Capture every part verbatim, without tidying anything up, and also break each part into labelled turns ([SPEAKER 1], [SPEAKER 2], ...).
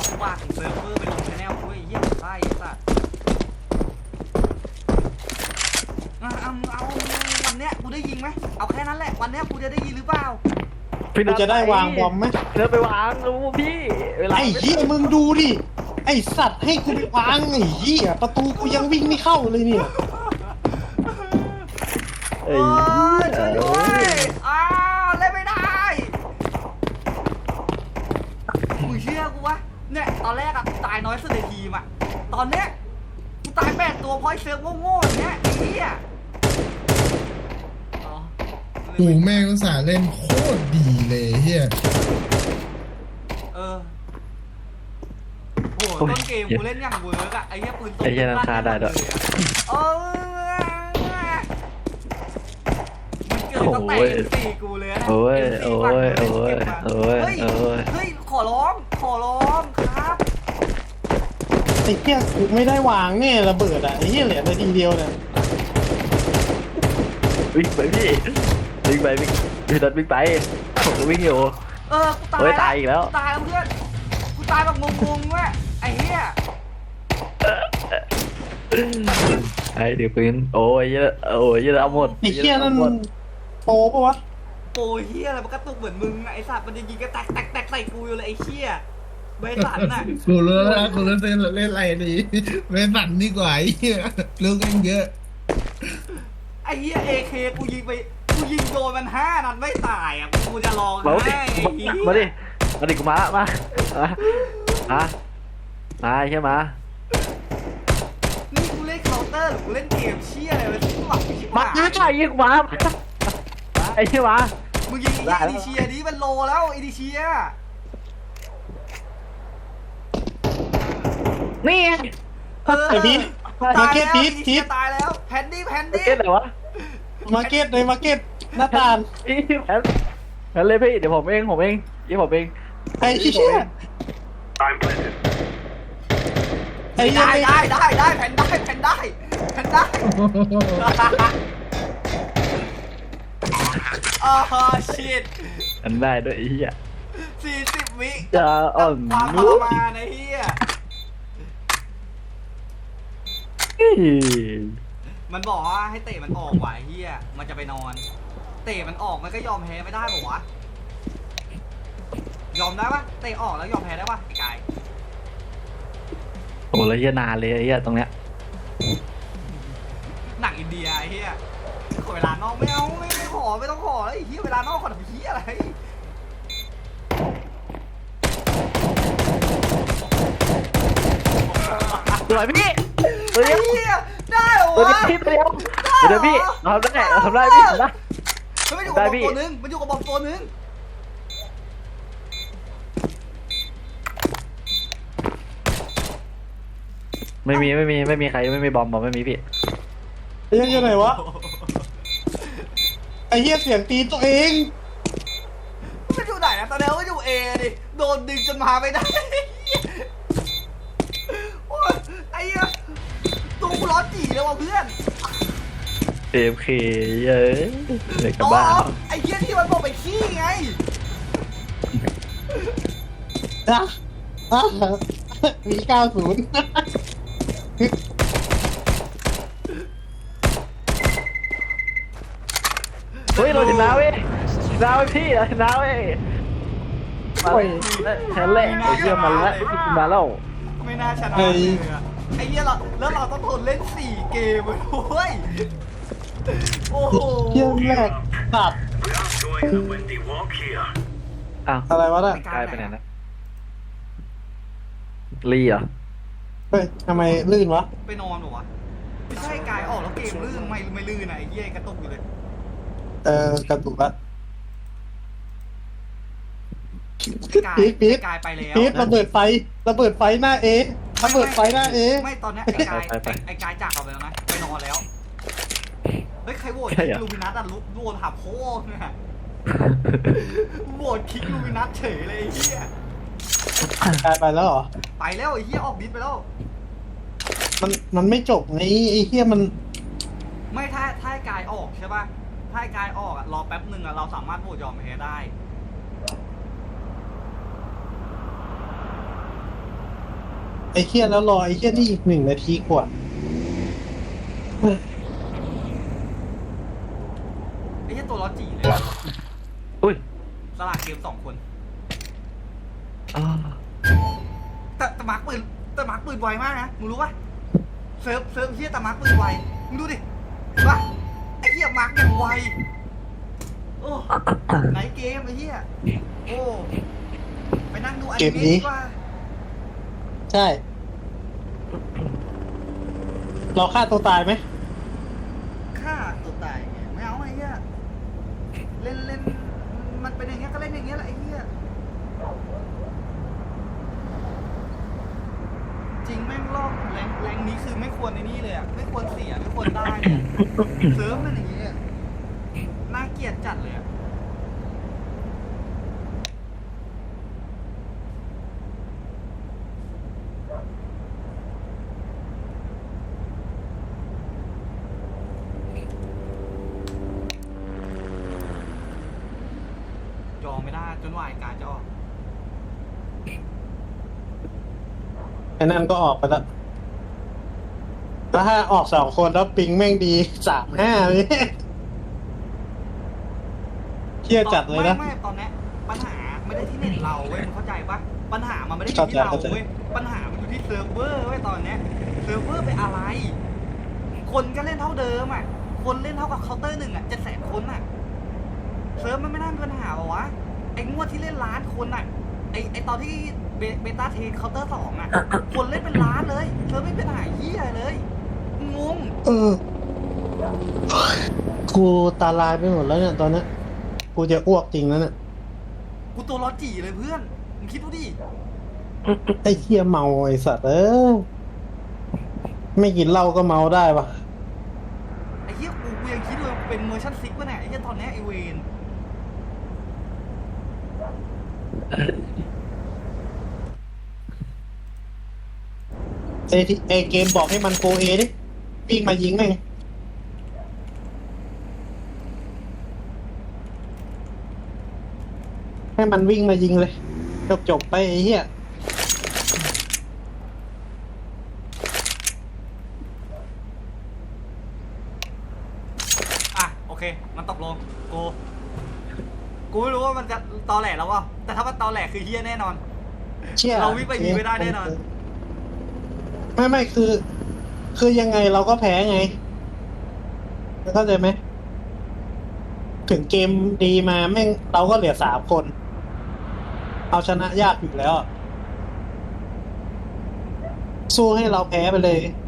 [SPEAKER 1] เอาฝากเซิร์ฟเวอร์ไปลงชแนลด้วยเยี่ยมไส้สัตว์เอาเอาวันเนี้ยกูได้ยิงไหมเอาแค่นั้นแหละวันเนี้ยกูจะได้ยินหรือเปล่า
[SPEAKER 2] กูจะได้วางบอมไหม
[SPEAKER 3] เธอไปวางรู้พี่
[SPEAKER 2] ไอ้เหี้ยมึงดูดิไอ้สัตว์ให้กูไปวางไอ้เหี้ยประตูกูยังวิ่งไม่เข้าเลยเนี่ย
[SPEAKER 1] โอ้ยช่วยด้วยอ้าวเล่นไม่ได้มึงเชื่อกูวะเนี่ยตอนแรกอะตายน้อยสุดในทีมอะตอนเนี้ยกูตายแปดตัวเพราะไอ้เซิร์ฟโง่ๆอย่างเงี้ยไอ้เหี้ย
[SPEAKER 4] กูแม่งอุตส่าห์เล่นโคตรดีเลยเฮีย
[SPEAKER 1] เออโหต้นเกมกูเล่นอย่างเวิร์กอะไอ้เหี้ยปืนตกไอ้
[SPEAKER 3] เหี้ยน้ำตาได้ด้วย
[SPEAKER 1] เออมันเกิดตั้งแต่สี่กูเลยนะ
[SPEAKER 3] โอ้ยโอ้ยโอ้ยโอ้ยโอ้ย
[SPEAKER 1] เฮ้ยขอร้องขอร้องครับ
[SPEAKER 2] ไอ้เหี้ยกูไม่ได้วางแน่ระเบิดอะไอ้เหี้ยเหลือนาทีเดียวเนี่ย
[SPEAKER 3] วิ่งไปพี่วิ่งไปวิ่งพี่ดันวิ่งไปผมก็วิ่งอยู่
[SPEAKER 1] เออกูตาย
[SPEAKER 3] ตายอีกแล้ว
[SPEAKER 1] ตายแล้วเพื่อนกูตายแบบงงๆเว้ยไอ้เหี้ย
[SPEAKER 3] ไอ้เดี๋ยวปืนโอ้ยเยอะโอ้ยเยอะเอาหมด
[SPEAKER 2] ไอ้เหี้ยนั่นโป๊ปะวะ
[SPEAKER 1] โอ้ยเหี้ยอะไรมันกระตุกเหมือนมึงไอ้สัตว์มันจะยิงกระแตกแตกแตกใส่กูอยู่เลยไอ้เหี้ยใบสันน่ะ
[SPEAKER 4] กูรู้แล้วกูรู้เล่นเล่นอะไรดีเล่นสันดีกว่าไอ้เหี้ยเรื่องกันเยอะ
[SPEAKER 1] ไอ้เหี้ยเอเคกูยิงไปกูยิงโดนมันห้านัดไม่ตายอ่ะกูจะลอง
[SPEAKER 3] ให้มาดิมาดิกูมามามามามาใช่ไหม
[SPEAKER 1] นี่กูเล่นเคาน์เตอร์หรือกูเล่นเกมเชี่ยอะไรวะที่หวังชิบหาย
[SPEAKER 3] มาใช่ยิงมาไอ้ใช่ไหม
[SPEAKER 1] มึงยิงไอ้ดิเชียนี้มันโลแล้วไอ้ดิเชีย
[SPEAKER 3] นี่
[SPEAKER 2] ไอ้พีทมาเก็ตพีทพีท
[SPEAKER 1] ตายแล้วแพนดี้แพนดี้
[SPEAKER 3] เก็ตเหรอวะ
[SPEAKER 2] มาเก็ตในมาเก็ตหน้าตาล
[SPEAKER 3] พี่แพนแพนเลยพี่เดี๋ยวผมเองผมเองยี่ผมเอง
[SPEAKER 2] ไอ้เชี่ย
[SPEAKER 1] ไอ้ได้ได้ได้ได้แพนได้แพนได้แพนได้อ๋อชิต
[SPEAKER 3] อันได้ด้วยไอ้เหี้ย
[SPEAKER 1] สี่สิบวิ
[SPEAKER 3] จะอ่อน
[SPEAKER 1] ความทรมานไอ้เหี้ยมันบอกว่าให้เตะมันออกว่ะไอ้เหี้ยมันจะไปนอนเตะมันออกมันก็ยอมแพ้ไม่ได้บอกวะยอมได้ปะเตะออกแล้วยอมแพ้ได้ปะไอ้กาย
[SPEAKER 3] โอ้แล้วเหี้ยนานเลยไอ้เหี้ยตรงเนี้ย
[SPEAKER 1] หนังอินเดียไอ้เหี้ยขอเวลานอกไม่เอาไม่ไม่ขอไม่ต้องขอแล้วไอ้เหี้ยเวลานอกขอทำเหี้ยอะไร
[SPEAKER 3] สวยพี่
[SPEAKER 1] ไอ้เหี้ยได้เหรอวะ
[SPEAKER 3] พี่เดียวเดี๋ยวพี่ทำได้ทำได้พี่ทำได้
[SPEAKER 1] มันอยู่กับบอมตัวนึงมันอยู่กับบอมตัวนึง
[SPEAKER 3] ไม่มีไม่มีไม่มีใครไม่มีบอมบอมไม่มีพี่
[SPEAKER 2] ไอ้เหี้ยไหนวะไอ้เหี้ยเสียงตีตัวเอง
[SPEAKER 1] มันอยู่ไหนนะตอนนี้ก็อยู่เอดิโดนดึงจนมาไม่ได้ไอ้เหี้ยตัวกูร้อนจีแล้วว่ะเพื่อน
[SPEAKER 3] เอฟเคเยอะเด็กกับบ้า
[SPEAKER 1] ไอ้เหี้ยที่มันบอกไปขี้ไง
[SPEAKER 2] นะอะมีเก้าศูนย์
[SPEAKER 3] เฮ้ยเราชนะเว้ยชนะเว้ยพี่เราชนะเว้ยมาแพ้แหละไอ้เหี้ยมันละมาแล้ว
[SPEAKER 1] ไม่น่าชนะเลยอะไอ้เหี้ยเราแล้วเราต้องทนเล่นสี่เกมเลยเว้ยโอ้โห
[SPEAKER 2] เยี่ยมแรกตัด
[SPEAKER 3] อ้าว
[SPEAKER 2] อะไรวะน่ะ
[SPEAKER 3] กลายไปไหนนะลีเหรอ
[SPEAKER 2] เฮ้ยทำไมลื่นวะ
[SPEAKER 1] ไปนอนหรอวะไม่ใช่กายออกแล้วเกมลื่นไม่ไม่ลื่นนะไอ้เหี้ยกระตุกอยู่เลย
[SPEAKER 2] เออกระตุกละ
[SPEAKER 1] พีทพีทกายไปแล้ว
[SPEAKER 2] พีทระเบิดไฟระเบิดไฟหน้าเอระเบิดไฟหน้าเอ
[SPEAKER 1] ไม่ตอนนี้ไอ้กายไอ้กายจากเราไปแล้วนะไปนอนแล้วเฮ้ยใครโหวตคิกลูมินัสอ่ะลุกโหวตหาโพ่เนี่ยโหวตคิกลูมินัสเฉยเลยไอ้เหี้ย
[SPEAKER 2] กายไปแล้วเหรอ
[SPEAKER 1] ไปแล้วไอ้เหี้ยออกดิสไปแล้ว
[SPEAKER 2] มันมันไม่จบไงไอ้เหี้ยมัน
[SPEAKER 1] ไม่ถ้าถ้ากายออกใช่ป่ะถ้ากายออกอ่ะรอแป๊บหนึ่งอ่ะเราสามารถโหวตยอมแพ้ได้
[SPEAKER 2] ไอ้เหี้ยแล้วรอไอ้เหี้ยนี่อีกหนึ่งนาทีกว่า
[SPEAKER 1] ไอ้เหี้ยตัวล้อจีเลย
[SPEAKER 3] อุ้ย
[SPEAKER 1] สลากเกมสองคน
[SPEAKER 3] อ่า
[SPEAKER 1] แต่แต่มาร์คปืนแต่มาร์คปืนไวมากนะมึงรู้ปะเซิร์ฟเซิร์ฟเหี้ยแต่มาร์คปืนไวมึงดูดิเห็นปะไอ้เหี้ยมาร์คอย่างไวโอ้ไหนเกมไอ้เหี้ยโอ้ไปนั่งดูอนิเมะดีกว่า
[SPEAKER 2] ใช่ เราฆ่าตัวตายไหม
[SPEAKER 1] ฆ่าตัวตายไงไม่เอาไอ้เหี้ยเล่นเล่นมันเป็นอย่างเงี้ยก็เล่นอย่างเงี้ยแหละไอ้เหี้ยจริงแม่งรอบแรงแรงนี้คือไม่ควรในนี่เลยอ่ะไม่ควรเสียไม่ควรได้เลยอะเซิร์ฟมันอย่างเงี้ยน่าเกลียดจัดเลยอะยอมไม่ได้จนว่าไอ้การจะออก
[SPEAKER 2] ไอ้นั่นก็ออกไปแล้วแล้วถ้าออกสองคนแล้วปิงแม่งดีสามห้าเลยเที่ยจัดเลยนะ
[SPEAKER 1] ไม่ไม่ตอนเนี้ยปัญหาไม่ได้ที่เน็ตเราเว้ยมึงเข้าใจปะปัญหามันไม่ได้อยู่ที่เรา
[SPEAKER 2] เข้าใจ
[SPEAKER 1] เว้ยปัญหามันอยู่ที่เซิร์ฟเวอร์เว้ยตอนเนี้ยเซิร์ฟเวอร์เป็นอะไร คนก็เล่นเท่าเดิมอ่ะคนเล่นเท่ากับเคาน์เตอร์หนึ่งอ่ะเจ็ดแสนคนอ่ะเซิร์ฟมันไม่น่ามีปัญหาหรอวะไอ้งวดที่เล่นล้านคนอ่ะไอ้ไอ้ตอนที่เบเบต้าเทสเคาน์เตอร์สองอ่ะคนเล่นเป็นล้านเลยเซิร์ฟไม่เป็นปัญหาเหี้ยเลยงง
[SPEAKER 2] เออ กูตาลายไปหมดแล้วเนี่ยตอนเนี้ยกูจะอ้วกจริงแล้วเนี่ย
[SPEAKER 1] กูตัวร้อนจีเลยเพื่อนมึงคิดดูดิ
[SPEAKER 2] ไอ้เหี้ยเมาไอ้สัตว์เออไม่กินเหล้าก็เมาได้ปะ
[SPEAKER 1] ไอ้เหี้ยกูกูยังคิดเลยเป็นเวอร์ชันซิกป่ะเนี่ยไอ้เหี้ยตอนเนี้ยไอเวน
[SPEAKER 2] ไอ้ที่ไอ้เกมบอกให้มันโกเอดิวิ่งมายิงแม่งให้มันวิ่งมายิงเลย จบจบไปไอ้เหี้ย
[SPEAKER 1] อ่ะโอเคมันตกลงกูกูไม่รู้ว่ามันจะตอแหลแล้ววะแต่ถ้ามันตอแหลคือเหี้ยแน่นอน
[SPEAKER 2] เชี่ย
[SPEAKER 1] เราวิ่งไปยิงไม่ได้แน่นอน
[SPEAKER 2] ไม่ไม่คือ คือยังไงเราก็แพ้ไงเข้าใจไหมถึงเกมดีมาแม่งเราก็เหลือสามคน เอาชนะยากอยู่แล้ว สู้ให้เราแพ้ไปเลย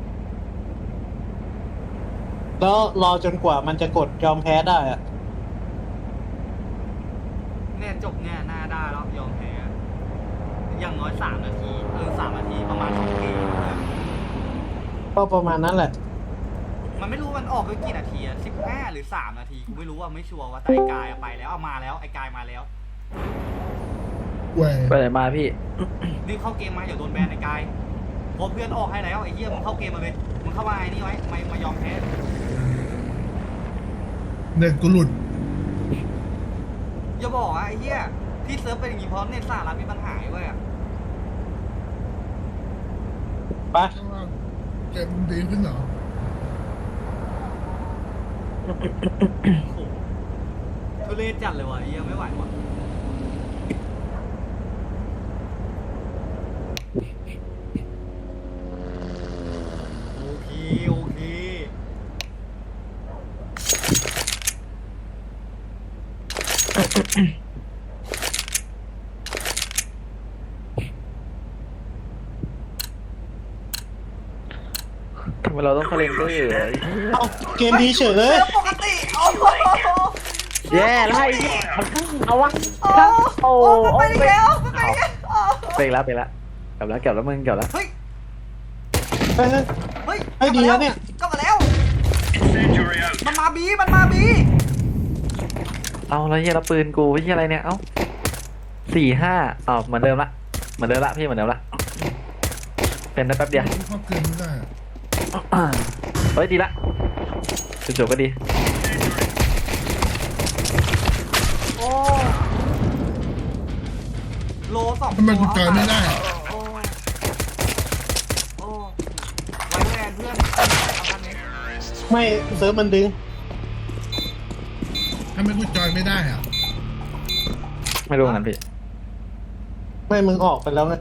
[SPEAKER 2] แล้วรอจนกว่ามันจะกดยอมแพ้ได้อะ
[SPEAKER 1] เนี่ยจบเนี่ยหน้าได้แล้วยอมแพ้อย่างน้อยสามนาทีเออสามนาทีประมาณสองเกมเนี่ย
[SPEAKER 2] ก็ประมาณนั้นแหละ
[SPEAKER 1] มันไม่รู้มันออกไปกี่นาทีอะสิบห้าหรือสามนาทีกูไม่รู้ว่าไม่ชัวร์ว่าแต่ไอ้กายอะไปแล้วเอามาแล้วไอ้กายมาแล้ว
[SPEAKER 4] เว้ย
[SPEAKER 3] ไปไหนมาพี่
[SPEAKER 1] รีบเข้าเกมมาอย่าโดนแบนไอ้กายเพราะเพื่อนออกให้แล้วไอ้เหี้ยมึงเข้าเกมมาเลยมึงเข้ามาไอ้นี่ไว้ไม่มายอมแพ้
[SPEAKER 4] เน็ตกูหลุด
[SPEAKER 1] อย่าบอกอะไอ้เหี้ยที่เซิร์ฟเป็นอย่างงี้เพราะเน็ตสหรัฐมีปัญหาเว้ยอะ
[SPEAKER 2] ไป
[SPEAKER 4] เกมดีขึ้นเหรอ
[SPEAKER 1] โอ้โหทุเรศจัดเลยวะไอ้เหี้ยไม่ไหววะโอเคโอเค
[SPEAKER 3] ทำไมเราต้องคาเลนเดอร์
[SPEAKER 2] เอาเกมดีเฉยเลย
[SPEAKER 1] เซิร์ฟปกติโอ้โห
[SPEAKER 3] แย่ไล่เอาวะ
[SPEAKER 1] โอ้
[SPEAKER 3] โอ้
[SPEAKER 1] โห
[SPEAKER 3] โอ้
[SPEAKER 1] ไปแล้วไปแล้วโอ้
[SPEAKER 3] ไปแล้วไปแล้วกลับแล้วกลับแล้วมึงกลับแล้ว
[SPEAKER 1] เฮ้ย
[SPEAKER 2] เฮ้ยเฮ้ย
[SPEAKER 1] เฮ้ย
[SPEAKER 2] เฮ้ยดีแล้วเนี่ย
[SPEAKER 1] กลับมาแล้วมันมาบีมันมาบี
[SPEAKER 3] เอาแล้วเฮียเราปืนกูเฮียอะไรเนี่ยเอ้าสี่ห้าอ๋อเหมือนเดิมละเหมือนเดิมละพี่เหมือนเดิมละเป็นได้แป๊บเดียว
[SPEAKER 4] เข้าเกินไม่ได้อะ
[SPEAKER 3] เฮ้ยดีละจบๆก็ดี
[SPEAKER 1] โอ้โลสอง
[SPEAKER 4] ทำไมกูตายไม่ได้อะ
[SPEAKER 1] โอ้
[SPEAKER 2] ไม่เซิร์ฟมันดึง
[SPEAKER 4] ทำไมกูจอยไม่ได้อ่ะ
[SPEAKER 3] ไม่รู้เหมือนกันพี่
[SPEAKER 2] ไม่มึงออกไปแล้วไง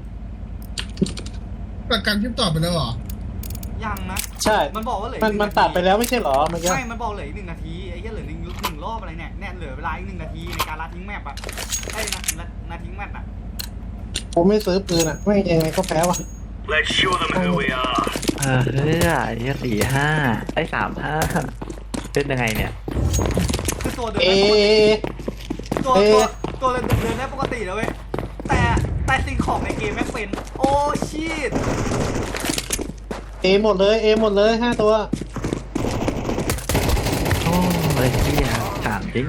[SPEAKER 4] ประกันคลิปต่อไปแล้วเหรอ
[SPEAKER 1] ยังนะ
[SPEAKER 2] ใช่
[SPEAKER 1] มันบอกว่าเหลือ
[SPEAKER 2] มัน
[SPEAKER 1] อีกห
[SPEAKER 2] มัน
[SPEAKER 1] งาที
[SPEAKER 2] ตัดไปแล้วไม่ใช่เหรอเมื่อกี้
[SPEAKER 1] ไม่มันบอกเหลืออีกหนึ่งนาทีไอ้เหี้ยเหลือหนึ่งหนึ่งรอบอะไรเนี่ยเนี่ยเหลือเวลาอีกหนึ่งนาทีในการลัดทิ้งแมปอะไอ้นานานาทิ้งแมปอะ
[SPEAKER 2] ผมไม่ซื้อปืนอ่ะไม่ยังไงก็แพ้ว่ะ
[SPEAKER 5] Let's show them who we are.
[SPEAKER 3] เออเฮ้ยไอ้เหี้ยสี่ห้าไอ้สามห้าเป็นยังไงเนี่ย
[SPEAKER 1] คือตัวเดิน
[SPEAKER 2] เอ
[SPEAKER 1] ได้ปกติตัว
[SPEAKER 2] เอ
[SPEAKER 1] ตัวตัวเดินเดินได้ปกติแล้วเว้ยแต่แต่สิ่งของในเกมไม่เป็น โอ้ชีต
[SPEAKER 2] เอหมดเลยเอหมดเลยห้าตัว
[SPEAKER 3] โอ้ยเหี้ยถามจริง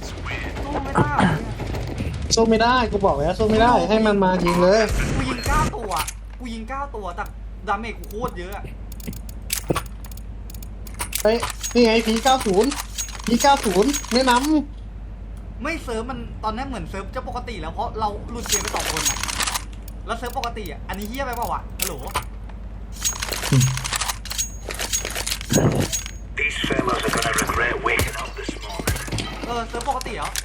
[SPEAKER 1] สู้ไม่ได้อะ
[SPEAKER 2] สู้ไม่ได้กูบอกแล้วสู้ไม่ได้ให้มันมายิงเลย
[SPEAKER 1] กูยิงเก้าตัวกูยิงเก้าตัวแต่ดาเมจกูโคตรเยอะอะ
[SPEAKER 2] เฮ้ยนี่ไงพีเก้าศูนย์พีเก้าศูนย์แนะน
[SPEAKER 1] ไม่เซิร์ฟมันตอนนี้เหมือนเซิร์ฟจะปกติแล้วเพราะเราหลุดเกมไปสองคนอะแล้วเซิร์ฟปกติอะอันนี้เฮี้ยไปเปล่าวะฮัลโหล
[SPEAKER 5] These fellas are gonna regret waking up this morning.
[SPEAKER 1] เออเซิร์ฟปกติเหรอ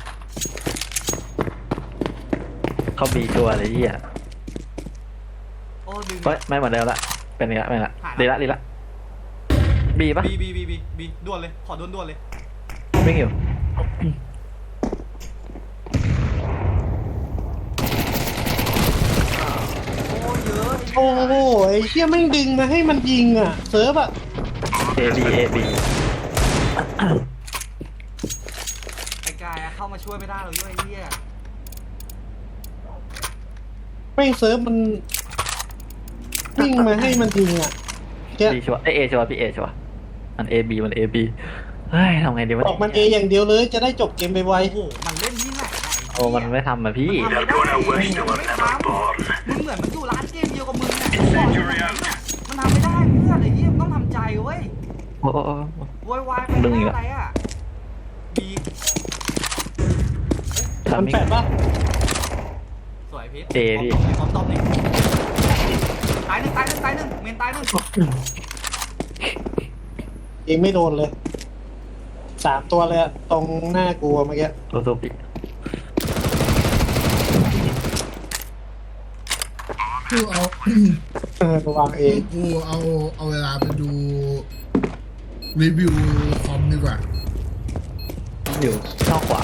[SPEAKER 3] เขามีตัวอะไรเหี้ย
[SPEAKER 1] โอ้ดึง
[SPEAKER 3] เฮ้ยไม่เหมือนเดิมละเป็นอีกละเป็นอีกละดีละดีละบีปะ
[SPEAKER 1] บีบีบีบีบีด่วนเลยขอด่วนด่วนเลย
[SPEAKER 3] วิ่งอยู่
[SPEAKER 1] โอ้เยอะ
[SPEAKER 2] ำโอ้โหไอ้เชี่ยไม่งดึงมาให้มันยิงอ่ะเซิร์ฟอ่ะ
[SPEAKER 3] เอบีเอบี
[SPEAKER 1] ไอ้กายอะเข้ามาช่วยไม่ได้เลยไอ้เหี้ย
[SPEAKER 2] ไม่งเซิร์ฟมันวิ่งมาให้มันยิงอ่ะเชี่ย
[SPEAKER 3] บีชัวร์เอเอชัวร์พี่เอชัวร์มันเอบีมันเอบีเฮ้ยทำไงดีวะ
[SPEAKER 2] บอกมันเออย่างเดียวเลยจะได้จบเกมไปไว
[SPEAKER 1] โอ้โหมันเล่นที่ไหนอะไอ้เหี้ย
[SPEAKER 3] โอ้มันไม่ทำอะพี่
[SPEAKER 1] มันทำไม่ได้
[SPEAKER 5] They're gonna wish they
[SPEAKER 1] มั
[SPEAKER 5] were
[SPEAKER 1] นไม่
[SPEAKER 5] never
[SPEAKER 1] ทำ
[SPEAKER 5] born.
[SPEAKER 1] มึงเหมือนมันอยู่ร้านเกมเดียวกับมึงอะมันทำไม่ได้เพื่อนไอ้เหี้ยมันต้องทำใจเว้ย
[SPEAKER 3] โอ้โอ้โอ้
[SPEAKER 1] โวยวายไป
[SPEAKER 3] ดึงอีก
[SPEAKER 1] เรื่
[SPEAKER 3] แล้
[SPEAKER 1] อ
[SPEAKER 3] ว
[SPEAKER 1] อะไรอะบี
[SPEAKER 2] มัน
[SPEAKER 3] ทำไม่
[SPEAKER 2] แปดป่ะ
[SPEAKER 1] สวยพีท
[SPEAKER 3] เอพี่
[SPEAKER 1] พร้อมตบหนึ่งตายหนึ่งตายหนึ่งตายหนึ่งเมนตายหนึ่ง
[SPEAKER 2] ยิงไม่โดนเลยสามตัวเลยอะตรงหน้ากูอะเมื่อกี้
[SPEAKER 3] ตัวตัวพี่
[SPEAKER 4] กูเอา
[SPEAKER 2] เออระวังเอง
[SPEAKER 4] กูเอาเอาเวลาไปดูรีวิวคอมดีกว่า
[SPEAKER 3] อยู่ช่องขวา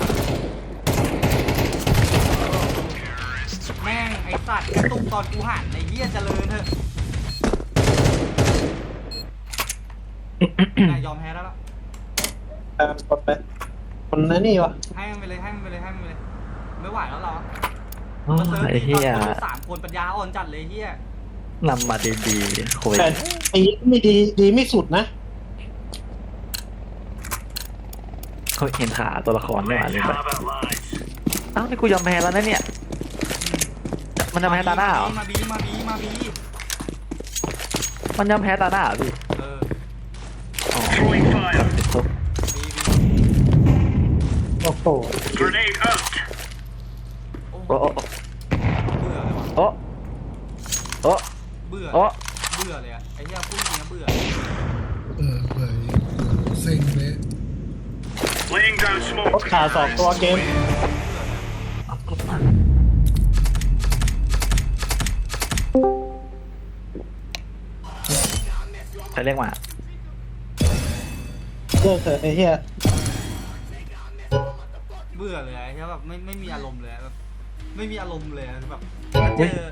[SPEAKER 1] แม่งไอ้สัตว์กระตุกตอนกูหันไอ้เหี้ยเจริญเถอะนายยอมแพ้แล้วล่ะ
[SPEAKER 2] เออคนไปคนนั้นนี่วะ
[SPEAKER 1] ให้มันไปเลยให้มันไปเลยให้มันไปเลย ไม่ไหวแล้วเรา
[SPEAKER 3] โอ้ยไอ้เหี้ย
[SPEAKER 1] สามคนปัญญาอ่อนจัดเลยเหี้ย
[SPEAKER 3] นำมาดีๆโคย
[SPEAKER 2] แต่ไอ้ไม่ดีดีไม่สุดนะ
[SPEAKER 3] เขาเห็นขาตัวละครไม่หวาน
[SPEAKER 5] Let's
[SPEAKER 3] เลยไป
[SPEAKER 5] have it, lads.
[SPEAKER 3] อ้าวนี่กูยอมแพ้แล้วนะเนี่ย มันยอมแพ้ตาหน้าเหรอ
[SPEAKER 1] มาบีมาบีมาบี
[SPEAKER 3] มันยอมแพ้ตาหน้าเหรอพี่
[SPEAKER 1] เออ
[SPEAKER 3] อ๋อ
[SPEAKER 5] Throwing fire.
[SPEAKER 1] บีบี
[SPEAKER 2] โอ้โห
[SPEAKER 5] Grenade out.
[SPEAKER 1] โอ้
[SPEAKER 3] โอ้โอ้
[SPEAKER 1] เบื่อเลยวะ
[SPEAKER 3] โอ้โอ้
[SPEAKER 1] เบื่อ
[SPEAKER 3] โอ้
[SPEAKER 1] เบื่อเลยอะไอ้เหี้ยพูดจริงนะเบื่อ
[SPEAKER 4] เออเฮ้ยเซ็งเลย
[SPEAKER 5] Laying down
[SPEAKER 2] ร
[SPEAKER 5] smoke.
[SPEAKER 2] ถขาสองตัวเกม
[SPEAKER 3] ใครเรียกมา
[SPEAKER 2] เลิกเถอะไอ้เหี้ย
[SPEAKER 1] เบื่อเลยไอ้เหี้ยแบบไม่ไม่มีอารมณ์เลยอะแบบไม่มีอารมณ์เลยอะแบบเจอ